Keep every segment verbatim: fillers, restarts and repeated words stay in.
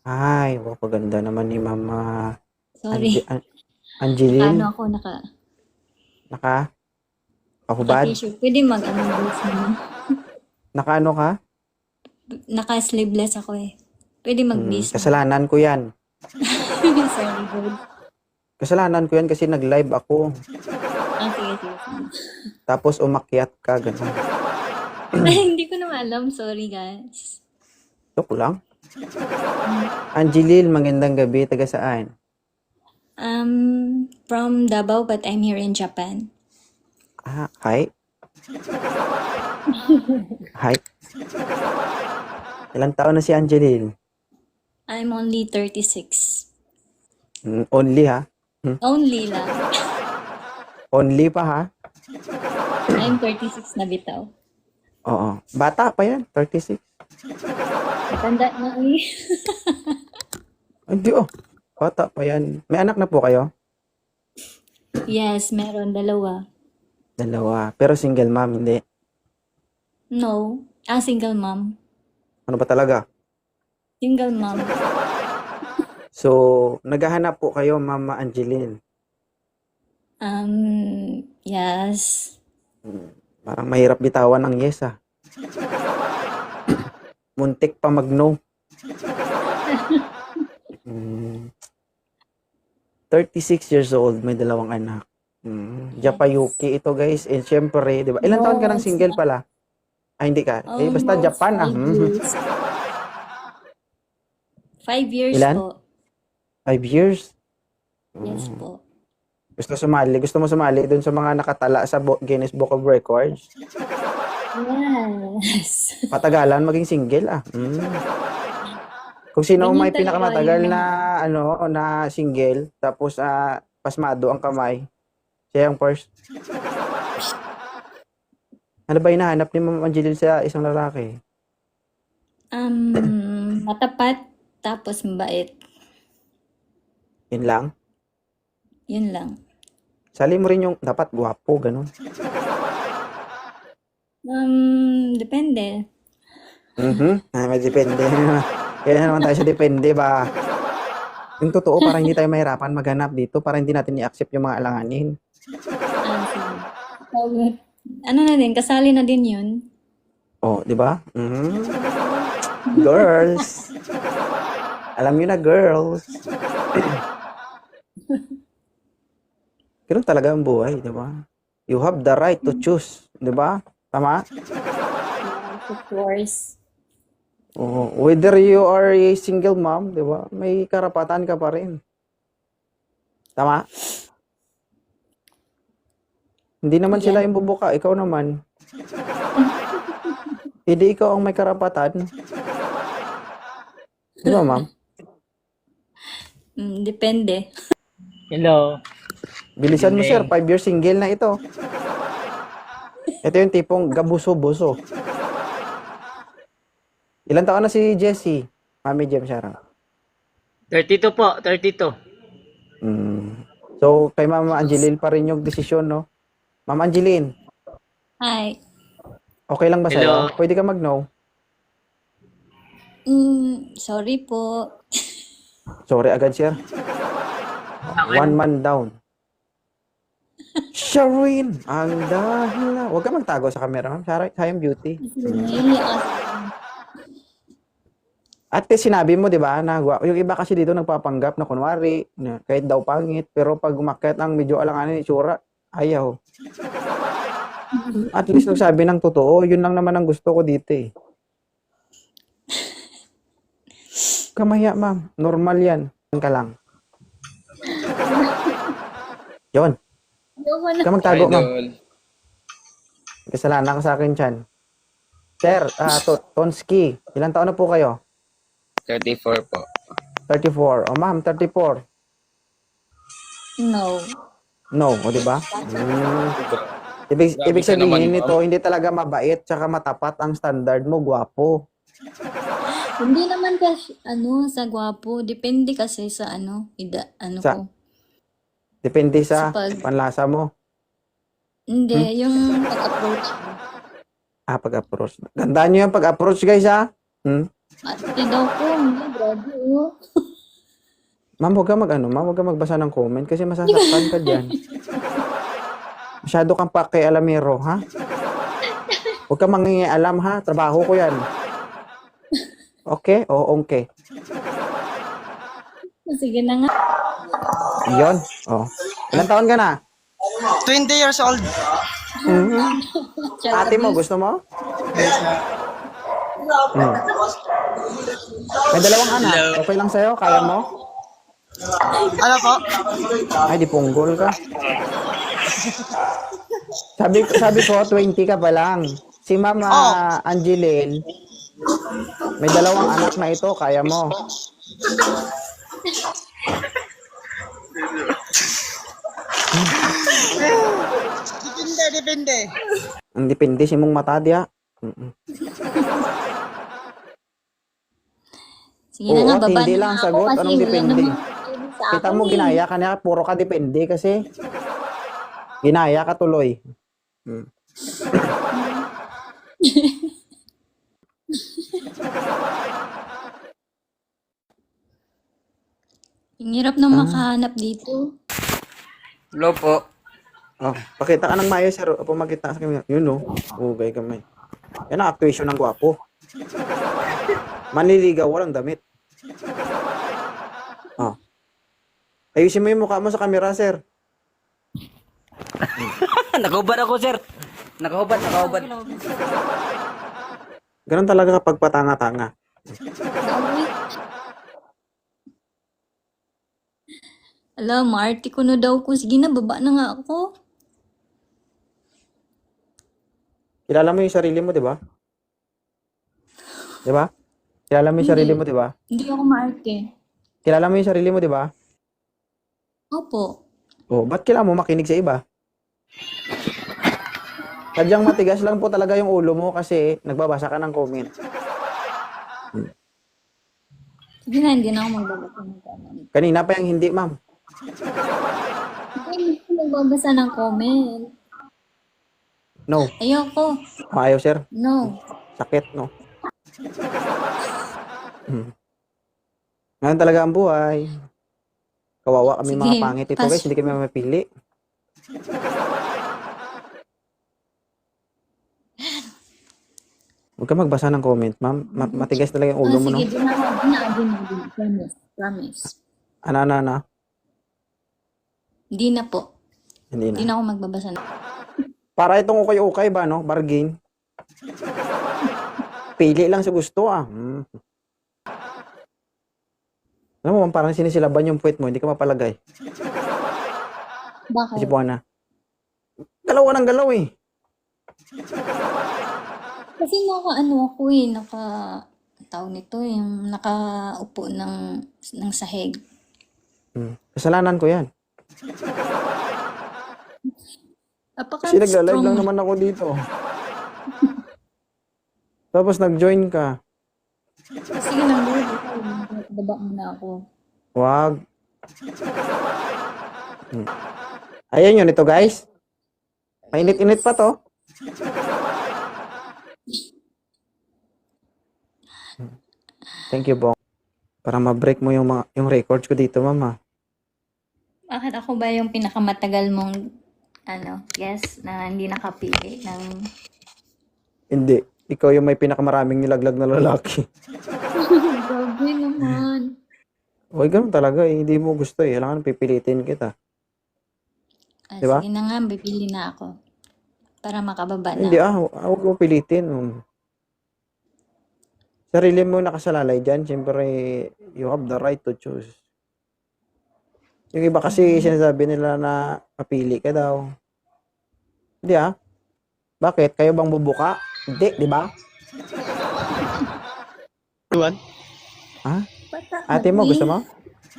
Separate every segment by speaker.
Speaker 1: Ay, napakaganda naman ni Mama Ange
Speaker 2: Sorry.
Speaker 1: An Angeline.
Speaker 2: Naka-ano ako, naka,
Speaker 1: Naka Pahubad?
Speaker 2: naka-t-shirt. Pwede mag-ano boots naman.
Speaker 1: Nakaano ka?
Speaker 2: Naka-sleeveless ako eh. Pwede
Speaker 1: Hmm,
Speaker 2: mag-bis mo.
Speaker 1: kasalanan ko 'yan.
Speaker 2: Sorry, girl.
Speaker 1: Kasalanan ko 'yan kasi nag-live ako.
Speaker 2: Ah, sige, sige, sige.
Speaker 1: Tapos umakyat ka, gano'n.
Speaker 2: Ay, hindi ko naman alam. Sorry, guys.
Speaker 1: Joke lang. Angeline, magandang gabi. Taga saan?
Speaker 2: Um, from Davao, but I'm here in Japan.
Speaker 1: Ah, hi. Hi. Ilang taon na si Angeline?
Speaker 2: I'm only thirty-six.
Speaker 1: Hmm, only ha? Hmm,
Speaker 2: Only lang.
Speaker 1: only pa ha?
Speaker 2: I'm thirty-six na bitaw.
Speaker 1: Oo. Bata pa yan, thirty-six.
Speaker 2: Matanda na eh.
Speaker 1: Hindi oh. Bata pa yan. May anak na po kayo?
Speaker 2: Yes, meron. Dalawa.
Speaker 1: Dalawa. Pero single mom, hindi.
Speaker 2: No. Ah, single mom.
Speaker 1: Ano ba talaga?
Speaker 2: Single mom.
Speaker 1: So, naghahanap po kayo, Mama Angeline.
Speaker 2: Um, yes.
Speaker 1: Hmm, Parang mahirap bitawan ang yes ah. Muntik pa mag-no. Hmm, thirty-six years old, may dalawang anak. Hmm,
Speaker 2: Yes.
Speaker 1: Japayuki ito guys. And syempre, di ba? Ilan taon ka
Speaker 2: No,
Speaker 1: ng
Speaker 2: it's
Speaker 1: single
Speaker 2: not.
Speaker 1: pala? Ay, hindi ka. Eh, basta
Speaker 2: Almost
Speaker 1: Japan ah.
Speaker 2: five
Speaker 1: Hmm.
Speaker 2: years. Five years
Speaker 1: Ilan?
Speaker 2: po.
Speaker 1: Five years?
Speaker 2: Yes
Speaker 1: Hmm.
Speaker 2: po.
Speaker 1: Gusto sumali? Gusto mo sumali dun sa mga nakatala sa Bo- Guinness Book of Records?
Speaker 2: Yes.
Speaker 1: Patagalan maging single ah. Hmm. Kung sino ang
Speaker 2: Ganyan
Speaker 1: may
Speaker 2: talaga yung
Speaker 1: pinakamatagal na
Speaker 2: mga,
Speaker 1: ano na single tapos ah, pasmado ang kamay, siya yung first. Ano ba hinahanap ni Ma'am Angeline sa isang lalaki?
Speaker 2: um, matapat, tapos mabait.
Speaker 1: Yun lang?
Speaker 2: Yun lang.
Speaker 1: Sali mo rin yung dapat gwapo, ganun.
Speaker 2: Um, depende.
Speaker 1: Mhm. Ah, may depende. Kaya naman tayo sa depende ba? Yung totoo, para hindi tayo mahirapan maghanap dito, para hindi natin i-accept yung mga alanganin.
Speaker 2: Ah, sige. So, ano na din, kasali na din yun.
Speaker 1: Oh, di ba? Mhm. Girls. Alam niyo na, girls. Ganun talaga ang buhay, di ba? You have the right to choose, di ba? Tama?
Speaker 2: Yes, of course.
Speaker 1: Oo. Whether you are a single mom, di ba? May karapatan ka pa rin. Tama? Hindi naman sila
Speaker 2: Yes.
Speaker 1: yung bubuka, ikaw naman. Hindi ikaw ang may karapatan. Di ba, ma'am?
Speaker 2: Mm, depende.
Speaker 3: Hello.
Speaker 1: Bilisan mo, sir.
Speaker 3: Evening.
Speaker 1: Five years single na ito. Ito yung tipong gabuso-buso. Ilan taon na si Jessie? Mami Jem Sharon.
Speaker 3: thirty-two po, thirty-two.
Speaker 1: Mm. So, kay Mama Angeline pa rin yung desisyon, no? Ma'am Angeline,
Speaker 2: Hi.
Speaker 1: okay lang ba
Speaker 3: Hello.
Speaker 1: sa'yo? Pwede ka mag-no?
Speaker 2: Mm, sorry po.
Speaker 1: Sorry agad, sir. One man down. Sharon, ang dahil. Huwag ka magtago sa camera, ma'am. Sarah, sayang beauty.
Speaker 2: Kasi naiiyak kasi.
Speaker 1: At least sinabi mo, di ba, na gwa- yung iba kasi dito nagpapanggap na kunwari, na kahit daw pangit, pero pag umakyat ang medyo alanganin itsura, ayaw. At least nagsabi ng totoo, yun lang naman ang gusto ko dito eh. Kamaya, ma'am. Normal yan. Yan ka lang. Yun.
Speaker 2: Ayoko
Speaker 1: Huwag
Speaker 2: na.
Speaker 1: ka magtago, ma'am.
Speaker 4: Idol.
Speaker 1: Kasalanan ka sa akin, Chan. Sir, ah, to Tonski, ilang taon na po kayo?
Speaker 4: thirty-four po.
Speaker 1: thirty-four. O, ma'am, thirty-four.
Speaker 2: No.
Speaker 1: No, o, di ba? Mm. Ibig,
Speaker 4: Grabe
Speaker 1: ibig
Speaker 4: ka naman,
Speaker 1: sabihin
Speaker 4: ma'am.
Speaker 1: nito, hindi talaga mabait tsaka matapat ang standard mo, gwapo.
Speaker 2: Hindi naman kasi, ano, sa gwapo. Depende kasi sa, ano, ida, ano
Speaker 1: Sa,
Speaker 2: ko.
Speaker 1: depende
Speaker 2: Sa
Speaker 1: sa
Speaker 2: pag,
Speaker 1: panlasa mo.
Speaker 2: hindi,
Speaker 1: Hmm?
Speaker 2: yung pag-approach mo.
Speaker 1: Ah, pag-approach. Gandaan nyo yung pag-approach, guys, ha? Hmm?
Speaker 2: Ate daw po. Hindi, grabe oh.
Speaker 1: Ma'am, huwag ka mag ano, ma'am, huwag ka magbasa ng comment kasi masasaktan ka dyan. Masyado kang pakialamero, ha? Huwag ka mangingialam, ha? Trabaho ko yan. Okay? O, okay.
Speaker 2: Sige na nga.
Speaker 1: Yun. Oh. Ilang taon ka na?
Speaker 5: twenty years old.
Speaker 1: Mhm. Ate mo, gusto mo? Hmm. May dalawang anak. Okay lang sa'yo? Kaya mo?
Speaker 5: Ano po?
Speaker 1: Ay, di punggol ka. Sabi, sabi ko, twenty ka pa lang. Si Mama
Speaker 5: Oh.
Speaker 1: Angeline, may dalawang anak na ito. Kaya mo.
Speaker 5: Depende, depende.
Speaker 1: Ang depende si mong mata diya. Mm-mm.
Speaker 2: Sige na nga,
Speaker 1: Oo,
Speaker 2: baba
Speaker 1: hindi
Speaker 2: na
Speaker 1: lang
Speaker 2: nga
Speaker 1: sagot.
Speaker 2: ako kasi
Speaker 1: Anong
Speaker 2: wala
Speaker 1: depende?
Speaker 2: namang makikinig sa
Speaker 1: Kita
Speaker 2: akin
Speaker 1: mo,
Speaker 2: eh.
Speaker 1: ginaya ka na. Puro ka depende kasi. Ginaya ka tuloy. Hmm.
Speaker 2: Ang hirap na makahanap dito.
Speaker 4: Hello po.
Speaker 1: Oh, pakita ka ng mayo, sir. Opo, makita sa kanya. Yun, no? Ugay kamay. Yan ang actuation ng gwapo. Manliligaw, walang damit. Oh. Ayusin mo yung mukha mo sa camera, sir.
Speaker 4: Nakahubad ako, sir. Nakahubad, nakahubad.
Speaker 1: Ganun talaga kapag patanga-tanga.
Speaker 2: Grabe. Ala, maarte ko na daw ko. Sige na, baba na nga ako.
Speaker 1: Kilala mo yung sarili mo, di ba? Di ba? Kilala mo yung sarili mo, di ba?
Speaker 2: Hindi ako maarte.
Speaker 1: Kilala mo yung sarili mo, di ba?
Speaker 2: Opo.
Speaker 1: Oh, ba't kailangan mo makinig sa iba? Sadyang matigas lang po talaga yung ulo mo kasi nagbabasa ka ng comment.
Speaker 2: Sige na, hindi na ako magbabasa ng comment.
Speaker 1: Kanina pa yung hindi, ma'am.
Speaker 2: Hindi ako magbabasa ng comment.
Speaker 1: No.
Speaker 2: Ayoko.
Speaker 1: Maayaw, sir.
Speaker 2: No.
Speaker 1: Sakit, no? Hmm. Ngayon talaga ang buhay. Kawawa kami
Speaker 2: Sige,
Speaker 1: mga pangit ito,
Speaker 2: pas-
Speaker 1: guys. Hindi kami mapili. Huwag ka magbasa ng comment, ma'am. Ma- matigas talaga yung ulo
Speaker 2: Ah,
Speaker 1: mo, no?
Speaker 2: sige, di na ako. Di na, di na, di na. Promise. Promise.
Speaker 1: Ano, ano, ano?
Speaker 2: Di na po.
Speaker 1: Hindi
Speaker 2: Di
Speaker 1: na.
Speaker 2: na ako magbabasa ng
Speaker 1: Para itong ukay-ukay ba, no? Bargain. Pili lang sa gusto, ah. Hmm. Alam mo, parang sinisilaban yung puwet mo, hindi ka mapalagay.
Speaker 2: Bakit?
Speaker 1: Kasi po na. Galaw ng galaw, eh.
Speaker 2: Kasi naka ano ako eh, naka tawag nito, yung nakaupo ng ng sahig.
Speaker 1: Hmm. Kasalanan ko yan.
Speaker 2: Apaka
Speaker 1: Kasi nagla-live
Speaker 2: strong.
Speaker 1: lang naman ako dito. Tapos nag-join ka.
Speaker 2: Sige lang, Lord. Baba muna ako.
Speaker 1: Wag. Hmm. Ayan yun ito, guys. Mainit-init pa to. Hmm. Thank you, Bong. Para ma-break mo yung, mga, yung records ko dito, mama.
Speaker 2: Bakit ako ba yung pinakamatagal mong ano, yes, na hindi nakapili ng
Speaker 1: Hindi. Ikaw yung may pinakamaraming nilaglag na lalaki.
Speaker 2: grabe naman.
Speaker 1: Uy, ganun talaga eh. Hindi mo gusto eh. Kailangan pipilitin kita.
Speaker 2: Ah,
Speaker 1: Diba?
Speaker 2: sige na nga, bibili na ako. Para makababa na.
Speaker 1: Hindi ah. hu- Huwag mo pilitin. Um, Sarili mo nakasalalay dyan. Siyempre, you have the right to choose. Yung iba kasi sinasabi nila na mapili ka daw. Hindi ah. Bakit? Kayo bang bubuka? Hindi, di ba?
Speaker 5: Tuwan?
Speaker 1: Ha?
Speaker 2: Bata
Speaker 1: Ate mo,
Speaker 2: kami.
Speaker 1: gusto mo?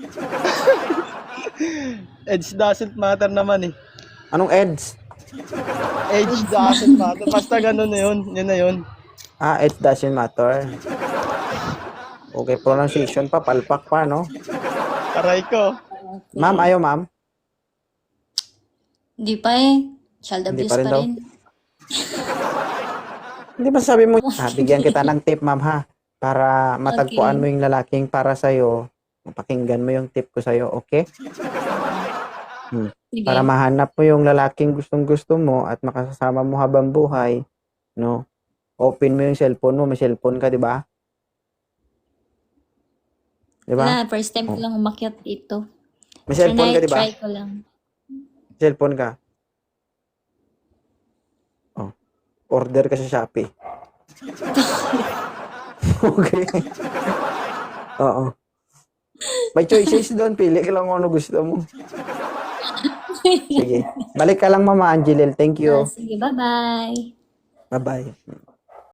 Speaker 5: Age doesn't matter naman eh.
Speaker 1: Anong eds?
Speaker 5: Age doesn't matter. Basta ganun na yun. Yun na yun.
Speaker 1: Ah, it doesn't matter. Okay, pronunciation pa, palpak pa, no?
Speaker 5: Aray ko.
Speaker 1: Ma'am, ayaw ma'am.
Speaker 2: Hindi pa eh. Child
Speaker 1: Hindi
Speaker 2: abuse
Speaker 1: pa rin
Speaker 2: pa
Speaker 1: daw.
Speaker 2: rin.
Speaker 1: Hindi ba sabi mo, ah, bigyan kita ng tip, ma'am, ha? para matagpuan
Speaker 2: Okay.
Speaker 1: mo yung lalaking para sa'yo, pakinggan mo yung tip ko sa'yo, okay? Hmm.
Speaker 2: Sige.
Speaker 1: Para mahanap mo yung lalaking gustong-gusto mo at makasama mo habang buhay, no? Open mo yung cellphone mo, may cellphone ka, di ba? Di ba?
Speaker 2: Wala, first time ko
Speaker 1: Oh.
Speaker 2: lang umakyat dito.
Speaker 1: May cellphone ka, di ba?
Speaker 2: Try ko lang.
Speaker 1: Cellphone ka. Oh. Order ka sa Shopee. Okay. Oo. May choices doon. Pili ka lang kung ano gusto mo. Sige. Balik ka lang, Mama Angelil. Thank
Speaker 2: Ah,
Speaker 1: you.
Speaker 2: sige, bye-bye.
Speaker 1: Bye-bye.